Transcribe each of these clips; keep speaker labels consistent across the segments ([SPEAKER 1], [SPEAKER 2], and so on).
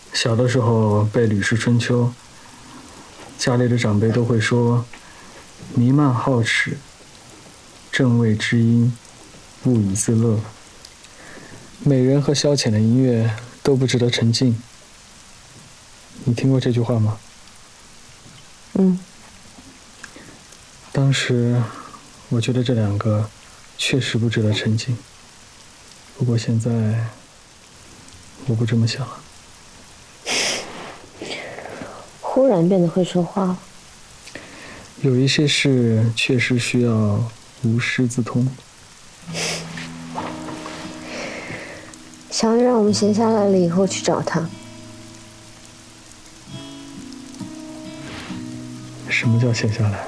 [SPEAKER 1] 小的时候背《吕氏春秋》，家里的长辈都会说：“弥漫好齿，正谓知音，物以自乐。”美人和消遣的音乐都不值得沉浸。你听过这句话吗？当时我觉得这两个确实不值得沉浸，不过现在我不这么想了。
[SPEAKER 2] 忽然变得会说话了。
[SPEAKER 1] 有一些事确实需要无师自通。
[SPEAKER 2] 小雨让我们闲下来了以后去找他。
[SPEAKER 1] 什么叫闲下来？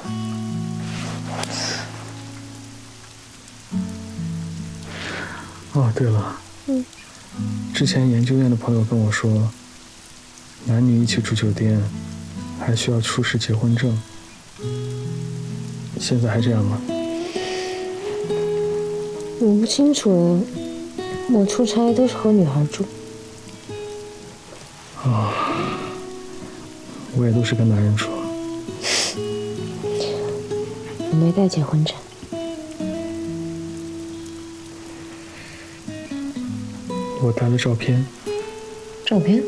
[SPEAKER 1] 哦，对了，之前研究院的朋友跟我说，男女一起住酒店，还需要出示结婚证。现在还这样吗？
[SPEAKER 2] 我不清楚，我出差都是和女孩住。
[SPEAKER 1] 我也都是跟男人住。
[SPEAKER 2] 我没带结婚证。
[SPEAKER 1] 我带了照片。
[SPEAKER 2] 照片？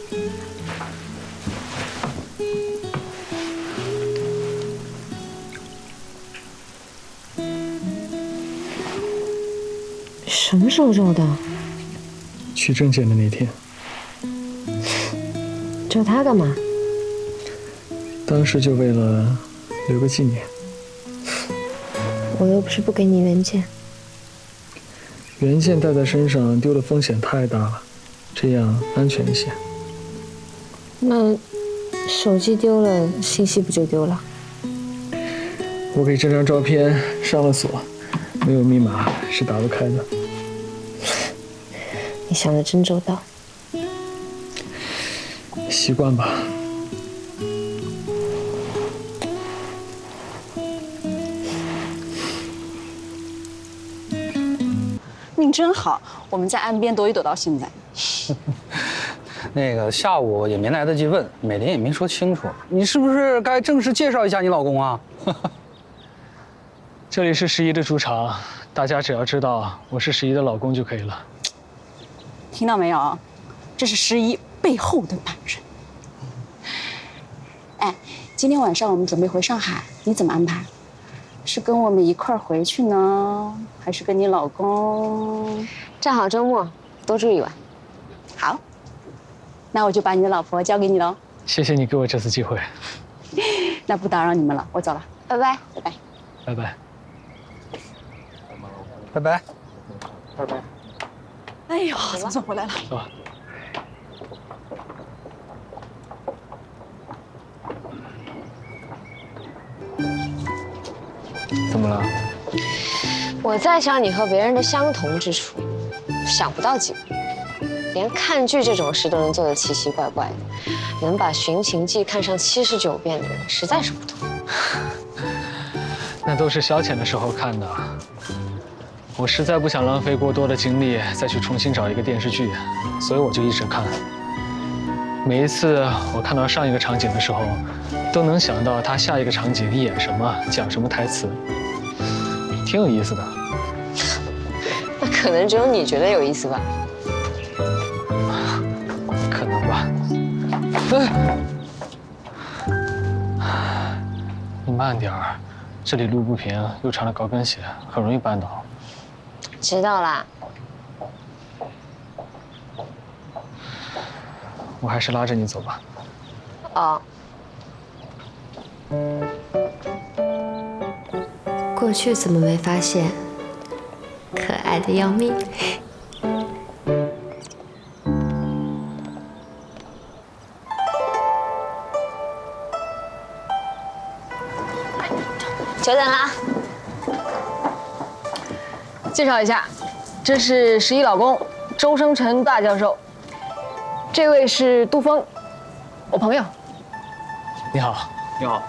[SPEAKER 2] 什么时候照的？
[SPEAKER 1] 取证件的那天。
[SPEAKER 2] 照他干嘛？
[SPEAKER 1] 当时就为了留个纪念。
[SPEAKER 2] 我又不是不给你原件。
[SPEAKER 1] 原件带在身上丢的风险太大了，这样安全一些。
[SPEAKER 2] 那手机丢了，信息不就丢了？
[SPEAKER 1] 我给这张照片上了锁，没有密码是打不开的。
[SPEAKER 2] 你想得真周到。
[SPEAKER 1] 习惯吧。
[SPEAKER 3] 命真好，我们在岸边躲雨躲到现在。
[SPEAKER 4] 那个下午也没来得及问，美玲也没说清楚，你是不是该正式介绍一下你老公啊？
[SPEAKER 1] 这里是十一的主场，大家只要知道我是十一的老公就可以了。
[SPEAKER 3] 听到没有？这是十一背后的男人。哎，今天晚上我们准备回上海，你怎么安排？是跟我们一块儿回去呢，还是跟你老公？
[SPEAKER 2] 正好周末，多住一晚。
[SPEAKER 3] 好，那我就把你的老婆交给你喽。
[SPEAKER 1] 谢谢你给我这次机会。
[SPEAKER 3] 那不打扰你们了，我走了，
[SPEAKER 2] 拜拜，
[SPEAKER 3] 拜拜，
[SPEAKER 1] 拜拜，
[SPEAKER 4] 拜拜，
[SPEAKER 1] 拜拜。
[SPEAKER 3] 哎呦，总算回来了。
[SPEAKER 1] 走吧。怎么了？
[SPEAKER 2] 我在想你和别人的相同之处，想不到几个。连看剧这种事都能做得奇奇怪怪的，能把《寻秦记》看上79遍的人实在是不多。
[SPEAKER 1] 那都是消遣的时候看的。我实在不想浪费过多的精力再去重新找一个电视剧，所以我就一直看。每一次我看到上一个场景的时候，都能想到他下一个场景演什么，讲什么台词，挺有意思的。
[SPEAKER 2] 那可能只有你觉得有意思吧？
[SPEAKER 1] 可能吧。你慢点儿，这里路不平，又穿了高跟鞋，很容易绊倒。
[SPEAKER 2] 知道啦。
[SPEAKER 1] 我还是拉着你走吧。
[SPEAKER 2] 哦。过去怎么没发现？可爱的要命。久等了。
[SPEAKER 3] 介绍一下，这是十一老公周生辰大教授，这位是杜峰，我朋友。
[SPEAKER 1] 你好，你好。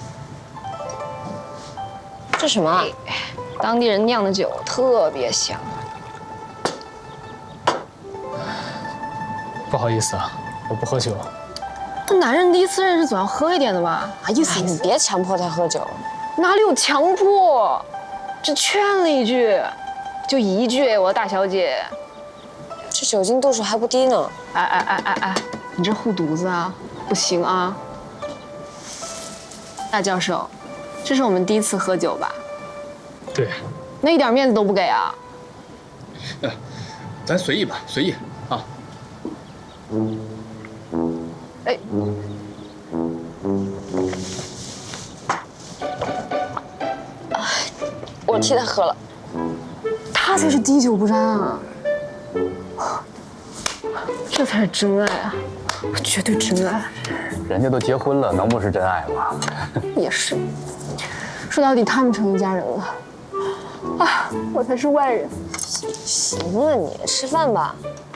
[SPEAKER 2] 这什么？
[SPEAKER 3] 当地人酿的酒，特别香。
[SPEAKER 1] 不好意思啊， 我不喝酒。
[SPEAKER 3] 那男人第一次认识总要喝一点的吧？啊，意思
[SPEAKER 2] 哎，你别强迫他喝酒。
[SPEAKER 3] 哪里有强迫？只劝了一句，就一句，我的大小姐。
[SPEAKER 2] 这酒精度数还不低呢。
[SPEAKER 3] 哎，你这护犊子啊，不行啊！大教授，这是我们第一次喝酒吧？
[SPEAKER 1] 对，
[SPEAKER 3] 那一点面子都不给啊？
[SPEAKER 5] 咱随意吧，随意啊。
[SPEAKER 3] 哎，
[SPEAKER 2] 我替他喝了。
[SPEAKER 3] 他才是滴酒不沾啊！这才是真爱啊，绝对真爱。
[SPEAKER 4] 人家都结婚了，能不是真爱吗？
[SPEAKER 3] 也是，说到底他们成一家人了，啊，我才是外人。
[SPEAKER 2] 行了，你吃饭吧。